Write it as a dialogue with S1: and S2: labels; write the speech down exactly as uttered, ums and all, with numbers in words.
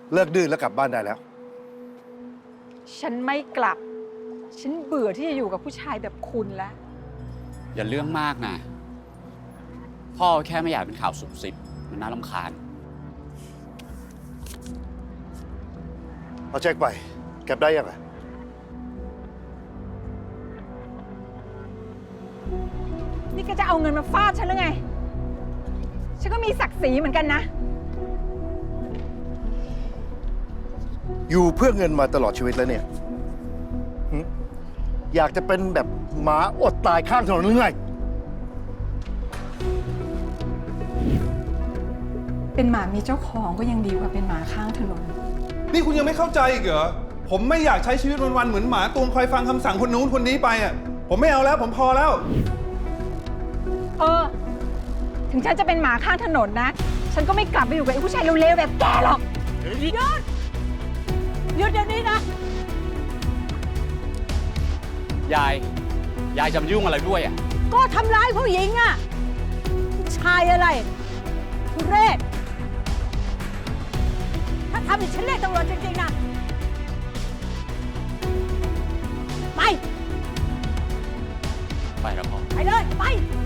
S1: เลิกดื้อแล้วกลับบ้านได้แล้ว
S2: ฉันไม่กลับ ฉันเบื่อที่จะอยู่กับผู้ชายแบบคุณแล้ว
S3: อย่าเรื่องมากนะ พ่อแค่ไม่อยากเป็นข่าวสุบสิบมันน่ารำคาญ
S1: เอาเช็คไปเก็บได้ยังไง
S2: นี่ก็จะเอาเงินมาฟาดฉันหรือไง ฉันก็มีศักดิ์ศรีเหมือนกันนะ
S1: อยู่เพื่อเงินมาตลอดชีวิตแล้วเนี่ยหึอยากจะเป็นแบบหมาอดตายข้างถนนหรือไง
S2: เป็นหมามีเจ้าของก็ยังดีกว่าเป็นหมาข้างถนน
S4: นี่คุณยังไม่เข้าใจอีกเหรอ ผมไม่อยากใช้ชีวิตวันๆเหมือนหมาตัวคอยฟังคำสั่งคนนู้นคนนี้ไปอ่ะ ผมไม่เอาแล้วผมพอแล้ว
S2: เออ ถึงฉันจะเป็นหมาข้างถนนนะ ฉันก็ไม่กลับไปอยู่กับไอ้ผู้ชายเร็วๆแบบแกหรอกหยุดหยุดเดี๋ยวนี้นะ
S3: ยาย ยายจะมายุ่งอะไรด้วยอ่ะ
S5: ก็ทำร้ายผู้หญิงอะชายอะไรทุเรศถ้าทำอีกฉันเรียกตำรวจจริงๆนะไป
S3: ไปแล้วพ่อ
S5: ไปเลย ไป